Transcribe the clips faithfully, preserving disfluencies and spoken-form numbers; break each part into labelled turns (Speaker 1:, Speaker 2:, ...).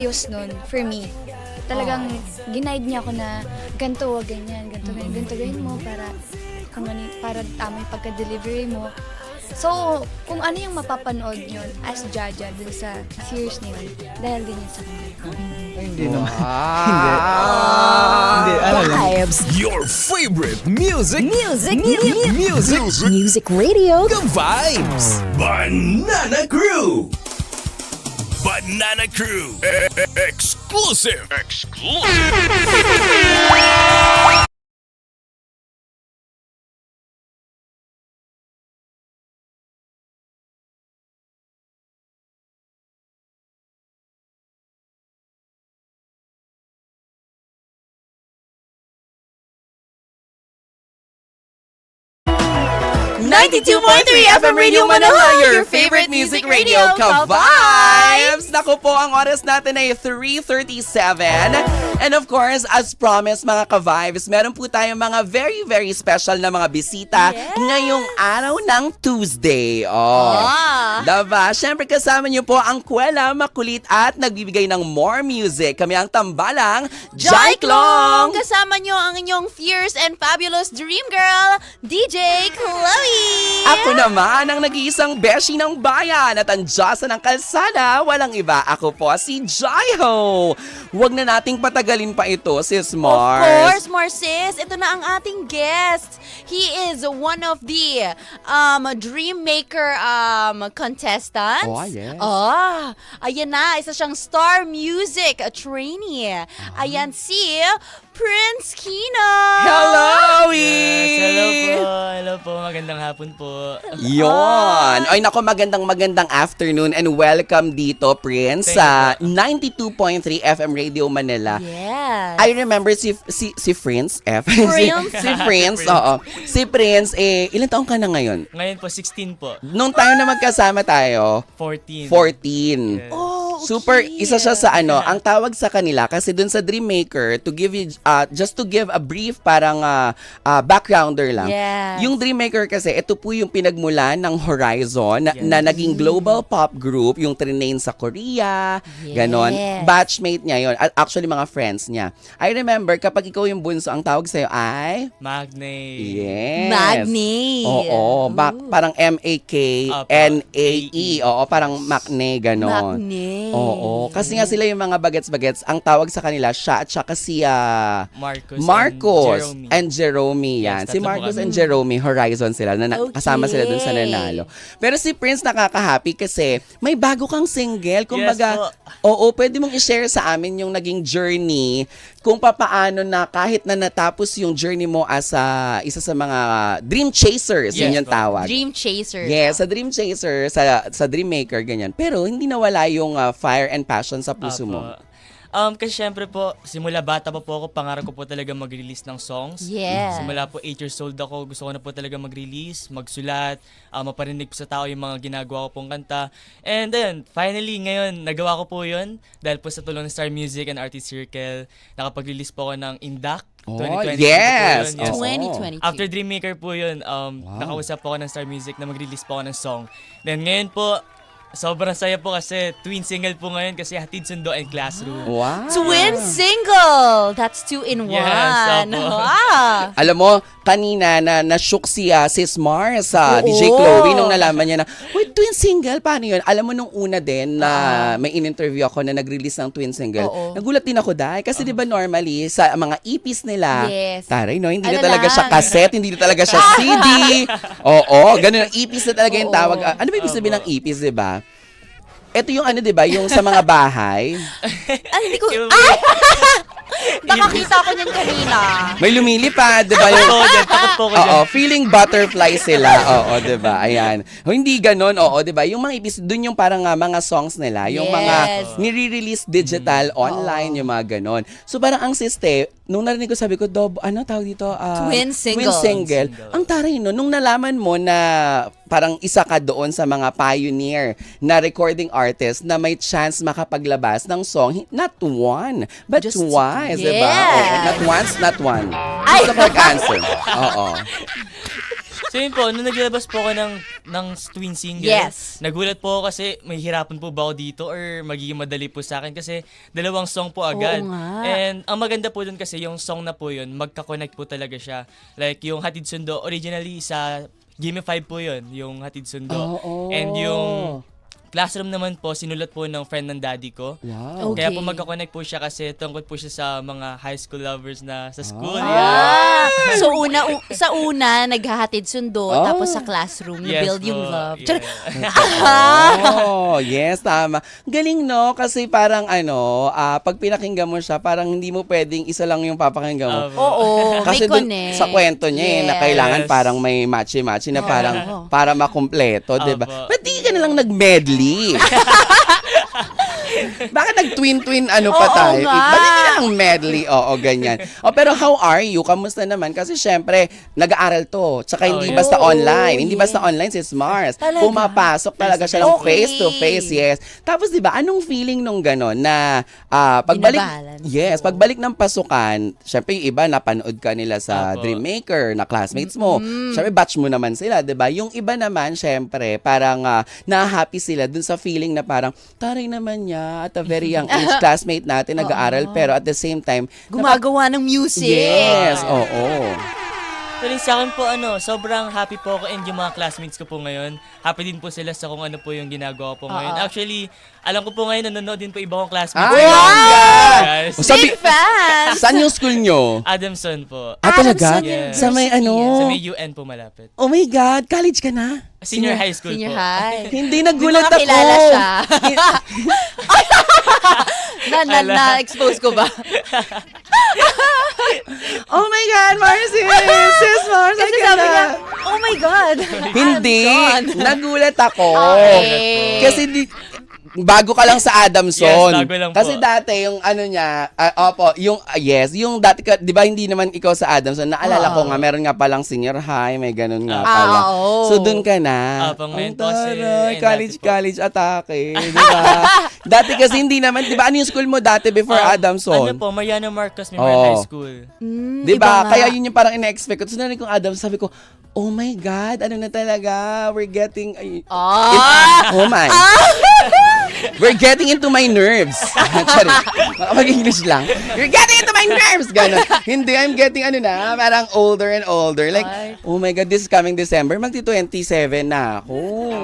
Speaker 1: Ayos nun, for me. Talagang ginaid niya ako na ganito, wag ganyan, ganito, ganyan, ganito gawin mo para kung ano, para tama yung pagka-delivery mo. So, kung ano yung mapapanood nyo as Jaja dun sa series na yun, dahil din yun sa kanya.
Speaker 2: Hindi naman.
Speaker 3: Hindi.
Speaker 2: Hindi, ano lang.
Speaker 4: Vibes.
Speaker 3: Your favorite music.
Speaker 4: Music.
Speaker 3: Music. Music.
Speaker 4: Music radio.
Speaker 3: The Vibes. Banana Crew. Banana Crew. E- e- Exclusive. Exclusive.
Speaker 5: ninety-two point three F M Radio Manila, your favorite music radio, Ka-Vibes!
Speaker 6: Naku po, ang oras natin ay three thirty-seven. And of course, as promised mga Ka-Vibes, meron po tayong mga very, very special na mga bisita
Speaker 5: Yes!
Speaker 6: ngayong araw ng Tuesday. Oh.
Speaker 5: Ah.
Speaker 6: Diba? Siyempre kasama niyo po ang Kwela, makulit at nagbibigay ng more music. Kami ang tambalang
Speaker 5: Jai Klong!
Speaker 6: Klong!
Speaker 5: Kasama nyo ang inyong fierce and fabulous dream girl, D J Chloe!
Speaker 6: Ako naman ang nag-iisang beshi ng bayan at ang Diyosa ng kalsada, walang iba. Ako po si Jaiho. Huwag na nating patagalin pa ito, sis Mars.
Speaker 5: Of course, Marcis, ito na ang ating guest. He is one of the um, Dream Maker um, contestants.
Speaker 6: Oh, yes.
Speaker 5: Oh, ayan na, isa siyang Star Music trainee.
Speaker 6: Ah.
Speaker 5: Ayan si Prince Kino.
Speaker 6: Hello,
Speaker 2: Yes, hello
Speaker 6: E!
Speaker 2: po. Hello po. Magandang hapon po.
Speaker 6: Yon. Ay nako, magandang magandang afternoon and welcome dito, Prince,
Speaker 2: Thank
Speaker 6: sa ninety-two point three F M Radio Manila.
Speaker 5: Yes.
Speaker 6: I remember si si si Prince F.
Speaker 5: Prince.
Speaker 6: si, si Prince, oo. Si Prince, eh, ilan taong ka na ngayon?
Speaker 2: Ngayon po, sixteen po.
Speaker 6: Nung tayo na magkasama tayo,
Speaker 2: fourteen.
Speaker 6: fourteen.
Speaker 2: Yes.
Speaker 5: Oh, okay.
Speaker 6: Super, isa siya sa ano, ang tawag sa kanila, kasi dun sa Dream Maker, to give you, uh, just to give a brief parang uh, uh, backgrounder lang.
Speaker 5: Yes.
Speaker 6: Yung Dream Maker kasi, ito po yung pinagmulan ng Horizon na,
Speaker 2: Yes.
Speaker 6: na naging global pop group, yung trinain sa Korea,
Speaker 5: Yes.
Speaker 6: ganon. Batchmate niya yun. At actually, mga friends niya. I remember, kapag ikaw yung bunso, ang tawag sa'yo ay...
Speaker 2: Magne.
Speaker 6: Yes.
Speaker 5: Magni.
Speaker 6: Oo, ba-
Speaker 5: Ooh.
Speaker 6: parang M A K N A E. Oo, parang Macne, ganon.
Speaker 5: Magni.
Speaker 6: Oo, kasi nga sila yung mga bagets-bagets, ang tawag sa kanila, siya at saka si ah,
Speaker 2: Marcos.
Speaker 6: Marcos
Speaker 2: And Jerome.
Speaker 6: and Jerome yan.
Speaker 2: Yes,
Speaker 6: Si
Speaker 2: tatlo po
Speaker 6: Marcos
Speaker 2: kami.
Speaker 6: and Jerome, Horizon sila, na, na-
Speaker 5: Okay.
Speaker 6: kasama sila dun sa nanalo. Pero si Prince nakaka-happy kasi may bago kang single. Kumbaga,
Speaker 2: po.
Speaker 6: oo, pwede mong i-share sa amin yung naging journey kung papaano na kahit na natapos yung journey mo as a, isa sa mga dream chasers,
Speaker 2: Yes
Speaker 6: yun yung
Speaker 2: po.
Speaker 6: tawag.
Speaker 5: Dream Chaser.
Speaker 6: Yes, sa Dream Chaser, sa sa Dream Maker, ganyan. Pero hindi nawala yung ah, fire and passion sa puso
Speaker 2: Apo.
Speaker 6: mo.
Speaker 2: Um, kasi syempre po, simula bata pa po ako, pangarap ko po talaga mag-release ng songs.
Speaker 5: Yeah.
Speaker 2: Simula po eight years old ako, gusto ko na po talaga mag-release, magsulat, uh, maparinig po sa tao yung mga ginagawa ko pong kanta. And then, finally, ngayon, nagawa ko po yun dahil po sa tulong ng Star Music and Artist Circle, nakapag-release po ako ng Indak.
Speaker 6: Oh,
Speaker 2: twenty twenty
Speaker 6: yes!
Speaker 2: po yun, yes.
Speaker 6: Oo.
Speaker 5: twenty twenty-two.
Speaker 2: After Dream Maker po yun, um,
Speaker 6: Wow.
Speaker 2: nakausap po ako ng Star Music na mag-release po ako ng song. Then ngayon po, sobrang saya po kasi twin single po ngayon kasi Hatid Sundo and Classroom.
Speaker 6: Wow.
Speaker 5: Twin single. That's two in one.
Speaker 2: Yes, opo.
Speaker 5: Wow.
Speaker 6: Alam mo, kanina na na-shook si ah, Sis Mars, sa D J
Speaker 5: Oo.
Speaker 6: Chloe, nung nalaman niya na, wait, twin single, paano yun? Alam mo, nung una din na may in-interview ako na nag-release ng twin single,
Speaker 5: Oo.
Speaker 6: nagulat din ako dahil. Kasi di ba normally, sa mga E Ps nila,
Speaker 5: Yes.
Speaker 6: taray, no, hindi
Speaker 5: Ano
Speaker 6: na talaga
Speaker 5: lang?
Speaker 6: siya cassette, hindi na talaga siya C D. Oo, ganun. E Ps na talaga yung
Speaker 5: Oo.
Speaker 6: tawag. Ah, ano ba ibig sabihin ng E Ps, di ba? Ito yung ano, di ba? Yung sa mga bahay.
Speaker 5: Ay, hindi ko...
Speaker 2: Yung-
Speaker 5: Ay! Nakakita ko niyan kanina.
Speaker 6: May lumilipad, di ba?
Speaker 2: Takot
Speaker 6: Yung,
Speaker 2: po ako dyan, takot po ako dyan.
Speaker 6: oo, feeling butterfly sila. Oo, 'di ba? Ayan. O, hindi ganoon, oo, 'di ba? Yung mga ibis doon yung parang ah, mga songs nila, yung mga
Speaker 5: Yes.
Speaker 6: nire-release digital online, yung mga ganon. So parang ang siste, nung narinig ko sabi ko, Dob, ano tawag dito? Ah,
Speaker 5: Twin single.
Speaker 6: Twin single.
Speaker 2: Twin single.
Speaker 6: Ang taray no, nung nalaman mo na parang isa ka doon sa mga pioneer na recording artist na may chance makapaglabas ng song, not one, but
Speaker 5: Just-
Speaker 6: twice, 'di ba?
Speaker 5: Yes.
Speaker 6: Oo, not once, not one.
Speaker 5: Ay!
Speaker 6: Gusto ko answer. Oo.
Speaker 2: So yun po, nung naglabas po ako ng, ng twin single,
Speaker 5: Yes.
Speaker 2: nagulat po ako kasi may hirapan po ba ako dito or magiging madali po sa akin kasi dalawang song po agad.
Speaker 5: Oo nga.
Speaker 2: And ang maganda po dun kasi yung song na po yun, magka-connect po talaga siya. Like yung Hatid Sundo, originally sa Gimme five po yun, yung Hatid Sundo.
Speaker 6: Oo.
Speaker 2: And yung Classroom naman po, sinulat po ng friend ng daddy ko.
Speaker 6: Wow.
Speaker 5: Okay.
Speaker 2: Kaya po magka-connect po siya kasi tungkol po siya sa mga high school lovers na sa school.
Speaker 5: Ah, so una u- sa una naghahatid sundo
Speaker 6: Oh.
Speaker 5: tapos sa classroom na
Speaker 2: Yes
Speaker 5: build yung
Speaker 2: po,
Speaker 5: love.
Speaker 2: yeah.
Speaker 5: Char-
Speaker 6: Oh, yes, tama. Galing, no? Kasi parang ano, ah, pag pinakinggan mo siya, parang hindi mo pwedeng isa lang yung papakinggan mo.
Speaker 2: Um,
Speaker 5: Oo,
Speaker 6: Kasi
Speaker 5: may
Speaker 6: dun,
Speaker 5: connect.
Speaker 6: sa kwento niya eh, na
Speaker 5: Yes.
Speaker 6: kailangan parang may matchy-matchy na parang
Speaker 5: Oo.
Speaker 6: para makumpleto, di ba?
Speaker 2: Opo.
Speaker 6: Ba't di ka na lang nag-medley? Bakit nag-twin-twin ano pa
Speaker 5: Oo
Speaker 6: tayo?
Speaker 5: nga.
Speaker 6: Ba't hindi na lang medley? Oo, ganyan. O, pero how are you? Kamusta naman? Kasi syempre, nag-aaral to. Tsaka hindi
Speaker 2: Oh,
Speaker 6: basta
Speaker 5: yeah.
Speaker 6: online. Hindi
Speaker 5: Oh,
Speaker 6: basta online si Mars.
Speaker 5: Talaga?
Speaker 6: Pumapasok talaga siya ng
Speaker 5: Okay.
Speaker 6: face-to-face, yes. Tapos, di ba, anong feeling nung gano'n na ah, pagbalik,
Speaker 5: Binabalance.
Speaker 6: yes, pagbalik ng pasukan, syempre yung iba, napanood ka nila sa
Speaker 2: Apo.
Speaker 6: Dreammaker, na classmates mo. Syempre, batch mo naman sila, di ba? Yung iba naman, syempre, parang ah, na-happy sila dun sa feeling na parang, taray naman niya, at a very young age, classmate natin, nag-aaral, pero at the same time,
Speaker 5: Gumagawa ng music.
Speaker 6: yes, oo.
Speaker 2: Pero sa akin po, ano, sobrang happy po ako and yung mga classmates ko po ngayon, happy din po sila sa kung ano po yung ginagawa po ngayon.
Speaker 5: Oo.
Speaker 2: Actually, alam ko po ngayon, nanonood din po iba kong classmates.
Speaker 6: Ay,
Speaker 2: ngayon.
Speaker 6: wow!
Speaker 2: Guys.
Speaker 6: O, sabi,
Speaker 5: Big fans!
Speaker 6: saan yung school nyo?
Speaker 2: Adamson po.
Speaker 6: Ah, talaga?
Speaker 2: Yes.
Speaker 6: Sa may ano?
Speaker 2: Sa may U N po malapit.
Speaker 6: Oh my God, college ka na?
Speaker 2: Senior high school
Speaker 5: Senior
Speaker 2: po.
Speaker 5: high.
Speaker 6: Hindi, nagulat
Speaker 5: May mga
Speaker 6: ako.
Speaker 5: kilala siya. na, na, na-expose ko ba?
Speaker 6: Oh my God, Marcy! Sis Mars,
Speaker 5: Kasi
Speaker 6: ay
Speaker 5: sabi
Speaker 6: ganda.
Speaker 5: niya, oh my God.
Speaker 6: Hindi,
Speaker 5: Adamson.
Speaker 6: nagulat ako.
Speaker 5: Okay.
Speaker 6: Kasi di, bago ka lang sa Adamson.
Speaker 2: Yes, bago lang po.
Speaker 6: Kasi dati yung ano niya, ah, opo, yung ah, yes, yung dati ka, 'di ba hindi naman ikaw sa Adamson. Naalala ko nga meron nga palang senior high, may ganun nga
Speaker 2: Ah,
Speaker 6: pala.
Speaker 5: oo.
Speaker 6: So doon ka na.
Speaker 2: Ah, pang ngayon
Speaker 6: Ang
Speaker 2: po kasi,
Speaker 6: taray,
Speaker 2: ayun,
Speaker 6: college
Speaker 2: dati po.
Speaker 6: college atake, 'di ba? Dati kasi hindi naman, 'di ba? Ano yung school mo dati before
Speaker 2: Ah,
Speaker 6: Adamson?
Speaker 2: Ano po, Mariano Marcos Memorial
Speaker 6: Oo.
Speaker 2: High School.
Speaker 5: Mm,
Speaker 6: 'Di ba?
Speaker 5: iba nga.
Speaker 6: Kaya yun yung parang ina-expect ko. Tapos narinig kong Adam, sabi ko, oh my God, ano na talaga? We're getting... Ay,
Speaker 5: Ah!
Speaker 6: oh my. We're getting into my nerves. Sorry. Mag-English lang. You're getting into my nerves. Ganon. Hindi, I'm getting ano na, parang older and older. Like,
Speaker 5: Ay.
Speaker 6: oh my God, this coming December, magti-twenty-seven na ako.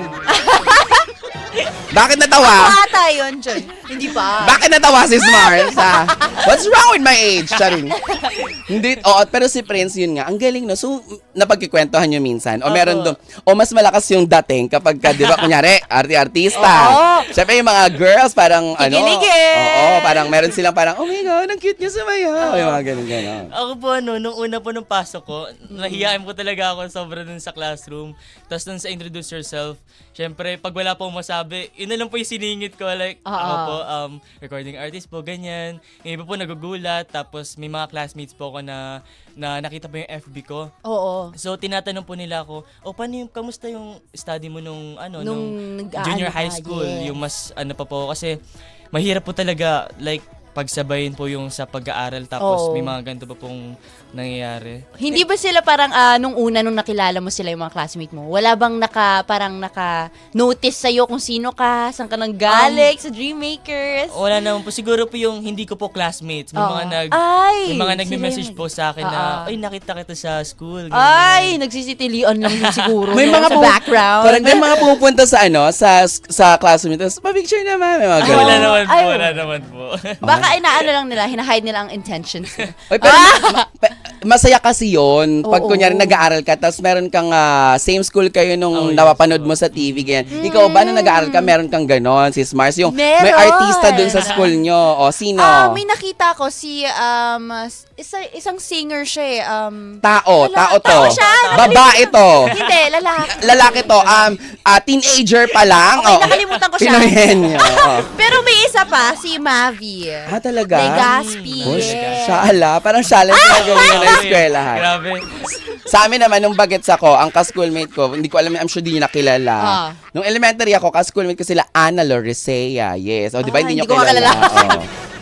Speaker 6: Bakit natawa?
Speaker 5: Bata yun, John. Hindi pa.
Speaker 6: Bakit natawa si Mars, ha? What's wrong with my age? Charing. Hindi, oo, pero si Prince yun nga, ang galing, no? So, napagkikwentuhan nyo minsan. O meron doon, o mas malakas yung dating kapag ka, di ba, kunyari, arti-artista.
Speaker 5: Oo.
Speaker 6: Siyempre, yung mga girls, parang, ano,
Speaker 5: Kikiligin.
Speaker 6: oo, parang meron silang parang, oh my God, ang cute niya sumayaw. Yung mga ganun, ganun.
Speaker 2: Ako po, ano, nung una po nung pasok ko, nahiyain po talaga ako sobra dun sa classroom. Tapos dun sa introduce yourself, syempre, pag wala pong masabi, yun na lang po yung siningit ko. Like,
Speaker 5: Oo.
Speaker 2: ako po, um, recording artist po, ganyan. Yung iba po nagugulat, tapos may mga classmates po ako na, na nakita po yung F B ko.
Speaker 5: Oo.
Speaker 2: So, tinatanong po nila ako, o, paano yung, kamusta yung study mo nung, ano,
Speaker 5: Nung
Speaker 2: nung,
Speaker 5: nag-aano
Speaker 2: junior high
Speaker 5: ka,
Speaker 2: school?
Speaker 5: yes.
Speaker 2: Yung mas, ano pa po, kasi mahirap po talaga, like, pagsabayin po yung sa pag-aaral tapos
Speaker 5: Oo.
Speaker 2: may mga ganito pa pong nangyayari.
Speaker 5: Hindi ba sila parang ah, nung una nung nakilala mo sila yung mga classmate mo? Wala bang naka parang naka-notice sa'yo kung sino ka, saan ka nang galing sa Dreammakers?
Speaker 2: Wala naman po. Siguro po yung hindi ko po classmates. May
Speaker 5: Oo.
Speaker 2: mga nag
Speaker 5: Ay,
Speaker 2: may mga
Speaker 5: sila
Speaker 2: nagme-message
Speaker 5: yung
Speaker 2: po sa akin na,
Speaker 5: Oo.
Speaker 2: ay, nakita kita sa school. ganyan,
Speaker 5: Ay,
Speaker 2: ganyan."
Speaker 5: nagsisitilian lang din siguro
Speaker 6: May
Speaker 5: no,
Speaker 6: mga
Speaker 5: sa
Speaker 6: pu-
Speaker 5: background.
Speaker 6: Parang may mga pumupunta sa ano, sa sa classroom. Tapos, pa-picture naman. May mga
Speaker 2: Ay,
Speaker 6: ganun.
Speaker 2: wala naman po,
Speaker 5: Ay,
Speaker 2: wala naman po.
Speaker 5: Baka inaano lang nila, hinahide nila ang intentions nila.
Speaker 6: Oy, pero ma- pa- masaya kasi yon pag
Speaker 5: Oo.
Speaker 6: kunyari nag-aaral ka tapos meron kang ah, same school kayo nung
Speaker 2: Oh, yes
Speaker 6: napapanood
Speaker 2: po.
Speaker 6: mo sa T V ganyan. Ikaw ba nung nag-aaral ka meron kang ganon, sis Mars? Yung may
Speaker 5: Meron.
Speaker 6: artista dun sa school nyo. O sino?
Speaker 5: Ah, may nakita ko si um isa, isang singer siya eh. Um,
Speaker 6: Tao,
Speaker 5: Wala,
Speaker 6: tao to.
Speaker 5: tao siya,
Speaker 6: Babae to.
Speaker 5: hindi, lalaki.
Speaker 6: Lalaki to. Um, ah, teenager pa lang.
Speaker 5: Okay,
Speaker 6: Oh.
Speaker 5: nakalimutan ko siya.
Speaker 6: Pinoyenyo. Oh.
Speaker 5: Pero may isa pa, si Mavi.
Speaker 6: Ah, talaga?
Speaker 5: Legaspi.
Speaker 6: Oh,
Speaker 5: yes.
Speaker 6: Shala. Parang shala na ganyan na eskwelahan.
Speaker 2: Grabe.
Speaker 6: Sa amin naman, nung bagets ako, ang ka-schoolmate ko, hindi ko alam, I'm sure di nyo nakilala.
Speaker 5: Ah.
Speaker 6: Nung elementary ako, ka-schoolmate ko sila, Ana Lorisea. Yes. O, di ba,
Speaker 5: Ah,
Speaker 6: hindi nyo
Speaker 5: hindi ko
Speaker 6: kilala.
Speaker 5: makilala.
Speaker 6: Oo.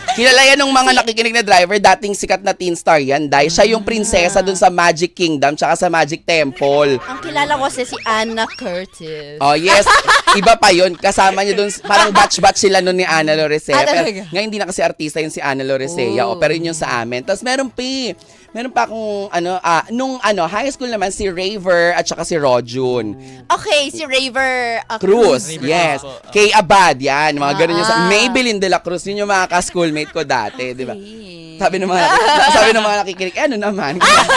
Speaker 6: Kilala yan ng mga nakikinig na driver, dating sikat na teen star yan. Dahil siya yung prinsesa dun sa Magic Kingdom tsaka sa Magic Temple.
Speaker 5: Ang kilala ko kasi si Anna Curtis.
Speaker 6: Oh, yes. Iba pa yun. Kasama niya dun, parang batch-batch sila nun ni Ana Loresea.
Speaker 5: Ah,
Speaker 6: Pero
Speaker 5: talaga?
Speaker 6: ngayon hindi na kasi artista yun si Ana Loresea.
Speaker 5: Oh.
Speaker 6: Oh. Pero yun yung sa amin. Tapos meron pa eh. Meron pa akong, ano, ah, nung ano, high school naman, si Raver at saka si Rojun.
Speaker 5: Okay, si Raver uh,
Speaker 6: Cruz,
Speaker 2: Raver
Speaker 6: yes.
Speaker 2: Cruz po.
Speaker 6: Kay Abad, yan. Mga ganun yung sa
Speaker 5: Ah.
Speaker 6: Maybelline de la Cruz. Yun yung mga ka-schoolmate ko dati, di ba?
Speaker 5: Okay.
Speaker 6: Sabi ng mga, sabi ng mga nakikinig, eh, ano naman?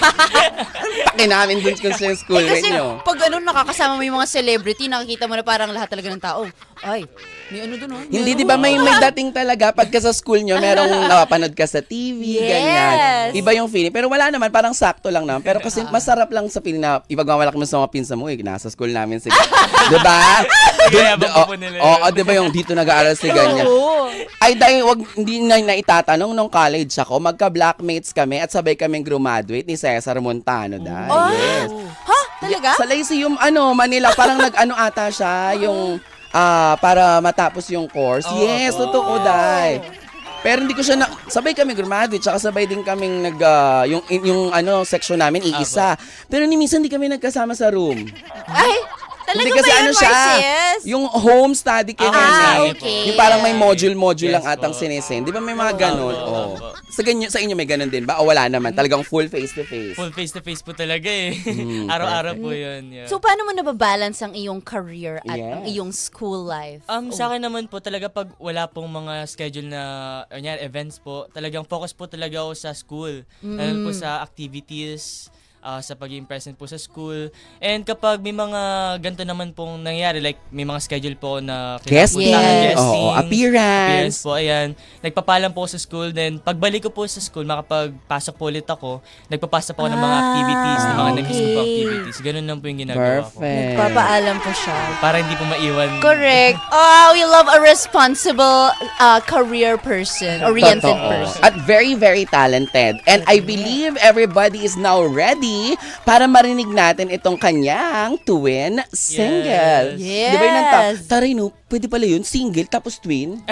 Speaker 6: Paki namin dun kung sila yung
Speaker 5: Eh,
Speaker 6: schoolmate
Speaker 5: kasi
Speaker 6: nyo.
Speaker 5: pag ano, nakakasama mo yung mga celebrity, nakikita mo na parang lahat talaga ng tao. Ay, may ano dun, oh. May
Speaker 6: Hindi,
Speaker 5: ano.
Speaker 6: di ba may, may dating talaga pagka sa school nyo, merong napapanood ka sa T V,
Speaker 5: Yes.
Speaker 6: ganyan. Iba yung feeling. Pero wala naman, parang sakto lang naman. Pero kasi masarap lang sa feeling na ipagmawalak mo sa mga pinsa mo, eh, nasa school namin si di ba?
Speaker 2: Kaya
Speaker 6: Dun-
Speaker 2: abang
Speaker 6: oh,
Speaker 2: po nila
Speaker 6: Oo,
Speaker 2: yun.
Speaker 6: di ba yung dito nag-aaral si ganyan?
Speaker 5: Oo.
Speaker 6: Ay, dahil wag, hindi na naitatanong nung college ako, magka-blackmates kami at sabay kaming graduate ni Cesar Montano dahil.
Speaker 5: Oh.
Speaker 6: Yes.
Speaker 5: Ha? Talaga?
Speaker 6: Sa Lyceum, ano, Manila, parang nag-ano ata siya, yung, ah, para matapos yung course.
Speaker 2: Oo,
Speaker 6: Yes,
Speaker 2: oo.
Speaker 6: totoo, dahil. Pero hindi ko siya na, sabay kami graduate, tsaka sabay din kaming nag, ah, yung, yung, ano, section namin, iisa. Pero ni minsan hindi kami nagkasama sa room.
Speaker 5: Ay, talaga
Speaker 6: Hindi
Speaker 5: ba
Speaker 6: kasi
Speaker 5: yun,
Speaker 6: ano siya,
Speaker 5: Marcies?
Speaker 6: yung home study kay
Speaker 2: Ah,
Speaker 6: kami.
Speaker 5: okay.
Speaker 6: Yung parang may module-module lang
Speaker 2: Yes
Speaker 6: atang
Speaker 2: po.
Speaker 6: sinesend. Di ba may mga ganun?
Speaker 2: Opo,
Speaker 6: Oh.
Speaker 2: opo.
Speaker 6: Sa, ganyo, sa inyo may ganun din ba? O wala naman? Talagang full face-to-face?
Speaker 2: Full face-to-face po talaga eh.
Speaker 6: Mm,
Speaker 2: Araw-araw po yun. Yeah.
Speaker 5: So, paano mo nababalance ang iyong career at
Speaker 6: Yes.
Speaker 5: ang iyong school life?
Speaker 2: Um, sa akin naman po talaga pag wala pong mga schedule na ganyan, events po, talagang focus po talaga ako sa school. Lalo po sa activities, ah, sa pagiging present po sa school. And kapag may mga ganito naman pong nangyayari, like may mga schedule po na
Speaker 6: Guesting.
Speaker 2: kinapuntahan,
Speaker 5: Yes.
Speaker 2: guestings,
Speaker 6: Oo, appearance.
Speaker 2: appearance po, ayan. Nagpapalam po ako sa school, then pagbalik ko po sa school, makapagpasok po ulit ako, nagpapasa po ako ng mga
Speaker 5: Ah,
Speaker 2: activities, ng mga nag-school po
Speaker 5: okay.
Speaker 2: activities. Ganun lang po yung ginagawa ko.
Speaker 6: Perfect.
Speaker 5: Papaalam po siya.
Speaker 2: Para hindi po maiwan.
Speaker 5: Correct. Oh, we love a responsible uh, career person, oriented
Speaker 6: Totoo.
Speaker 5: person.
Speaker 6: At very, very talented. And I believe everybody is now ready para marinig natin itong kanyang twin single.
Speaker 5: Yes.
Speaker 6: Di ba yun ang ta- Taray no, pwede pala yun, single tapos twin?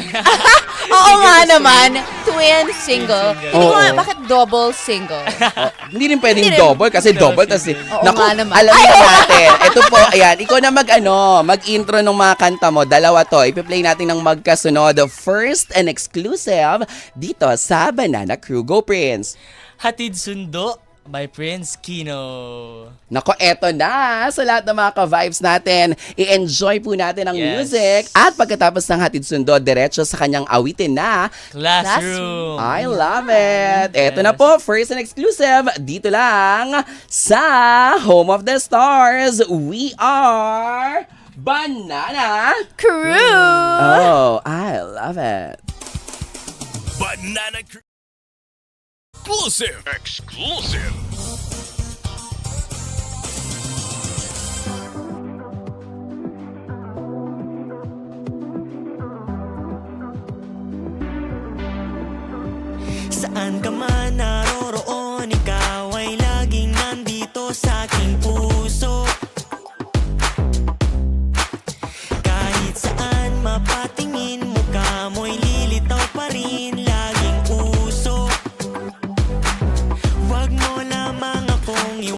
Speaker 5: Oo nga naman, twin single.
Speaker 2: Twin single.
Speaker 5: Hindi ko nga,
Speaker 6: Oo.
Speaker 5: bakit double single?
Speaker 6: Oh, hindi rin pwedeng
Speaker 5: Hindi rin.
Speaker 6: double kasi double tas
Speaker 5: Oo
Speaker 6: naku,
Speaker 5: nga naman.
Speaker 6: alam niyo natin. Ito po, ayan, ikaw na mag ano, mag-intro ng mga kanta mo. Dalawa to. Ipi-play natin ng magkasunod. The first and exclusive dito sa Banana Crew. Go, Prince!
Speaker 2: Hatid Sundo by Prince Kino.
Speaker 6: Nako, eto na sa lahat ng mga ka-vibes natin. I-enjoy po natin ang
Speaker 2: Yes.
Speaker 6: music. At pagkatapos ng Hatid Sundo, diretso sa kanyang awitin na
Speaker 2: Classroom.
Speaker 6: I love it. Eto na
Speaker 2: Yes.
Speaker 6: po, first and exclusive, dito lang sa Home of the Stars. We are Banana
Speaker 5: Crew!
Speaker 6: Oh, I love it.
Speaker 3: Banana Crew. Exclusive. Exclusive.
Speaker 4: Saan ka man na